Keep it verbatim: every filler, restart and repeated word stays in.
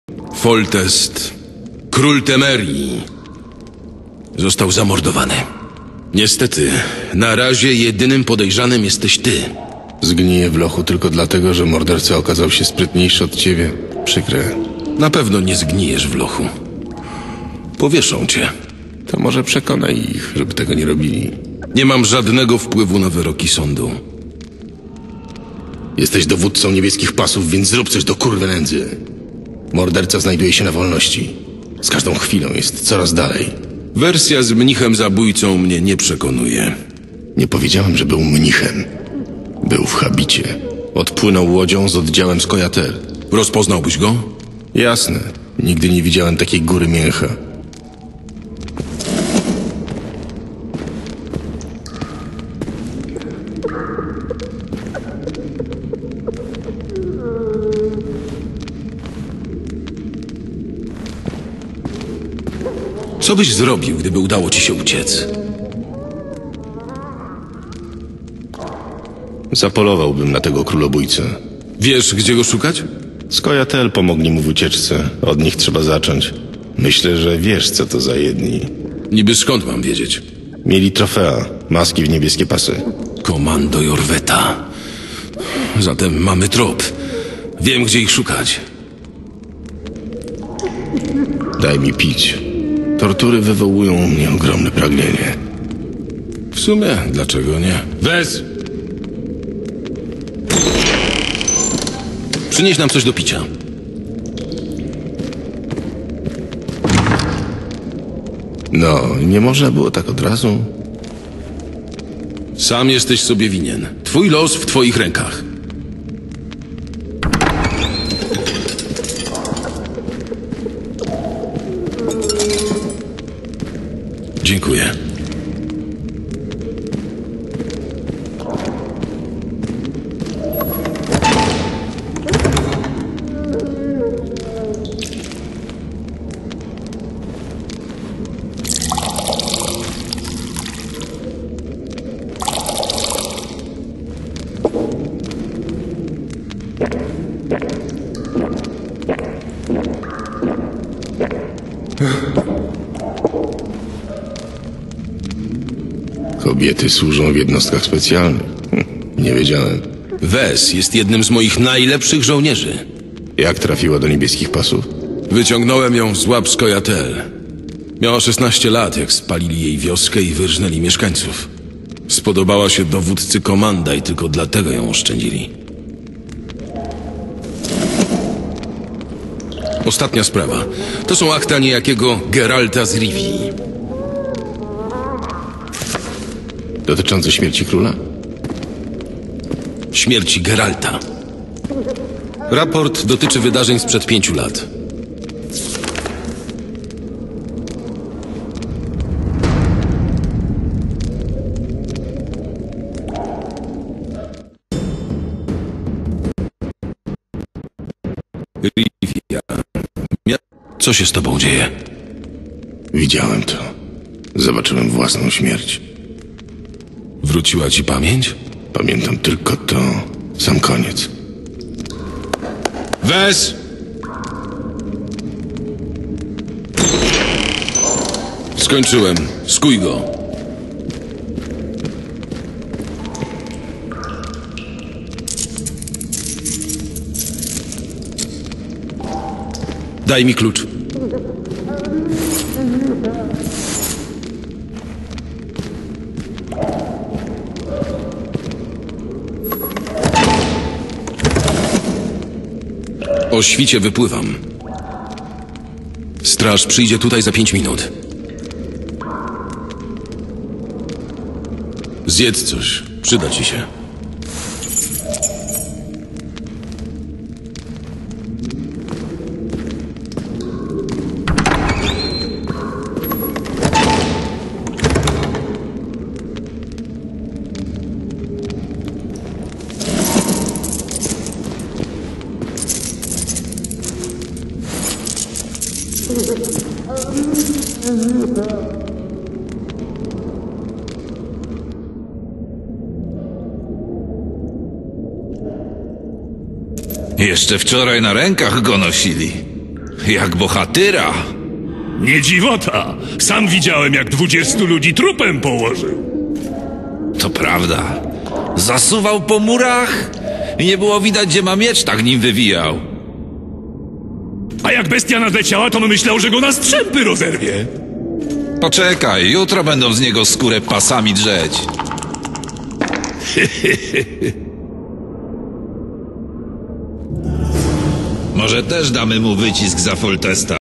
Foltest, król Temerii, został zamordowany. Niestety, na razie jedynym podejrzanym jesteś ty. Zgniję w lochu tylko dlatego, że morderca okazał się sprytniejszy od ciebie. Przykre. Na pewno nie zgnijesz w lochu. Powieszą cię. To może przekonaj ich, żeby tego nie robili. Nie mam żadnego wpływu na wyroki sądu. Jesteś dowódcą niebieskich pasów, więc zrób coś do kurwy nędzy. Morderca znajduje się na wolności. Z każdą chwilą jest coraz dalej. Wersja z mnichem zabójcą mnie nie przekonuje. Nie powiedziałem, że był mnichem. Był w habicie. Odpłynął łodzią z oddziałem z Kojater. Rozpoznałbyś go? Jasne. Nigdy nie widziałem takiej góry mięcha. Co byś zrobił, gdyby udało ci się uciec? Zapolowałbym na tego królobójcę. Wiesz, gdzie go szukać? Skojatel pomogli mu w ucieczce. Od nich trzeba zacząć. Myślę, że wiesz, co to za jedni. Niby skąd mam wiedzieć? Mieli trofea, maski w niebieskie pasy. Komando Jorweta. Zatem mamy trop. Wiem, gdzie ich szukać. Daj mi pić. Tortury wywołują u mnie ogromne pragnienie. W sumie, dlaczego nie? Wes! Przynieś nam coś do picia. No, nie można było tak od razu? Sam jesteś sobie winien. Twój los w twoich rękach. Dziękuję. Kobiety służą w jednostkach specjalnych. Hm, nie wiedziałem. Wes jest jednym z moich najlepszych żołnierzy. Jak trafiła do niebieskich pasów? Wyciągnąłem ją z łap Skojatel. Miała szesnaście lat, jak spalili jej wioskę i wyrżnęli mieszkańców. Spodobała się dowódcy komanda i tylko dlatego ją oszczędzili. Ostatnia sprawa. To są akta niejakiego Geralta z Rivii. Dotyczące śmierci króla? Śmierci Geralta. Raport dotyczy wydarzeń sprzed pięciu lat. Rivia. Co się z tobą dzieje? Widziałem to. Zobaczyłem własną śmierć. Wróciła ci pamięć? Pamiętam tylko to. Sam koniec. Wes! Skończyłem. Skuj go. Daj mi klucz. O świcie wypływam. Straż przyjdzie tutaj za pięć minut. Zjedz coś. Przyda ci się. Jeszcze wczoraj na rękach go nosili. Jak bohatyra. Nie dziwota. Sam widziałem, jak dwudziestu ludzi trupem położył. To prawda. Zasuwał po murach i nie było widać, gdzie ma miecz, tak nim wywijał. A jak bestia nadleciała, to myślał, że go na strzępy rozerwie. Poczekaj, jutro będą z niego skórę pasami drzeć. Może też damy mu wycisk za Foltesta.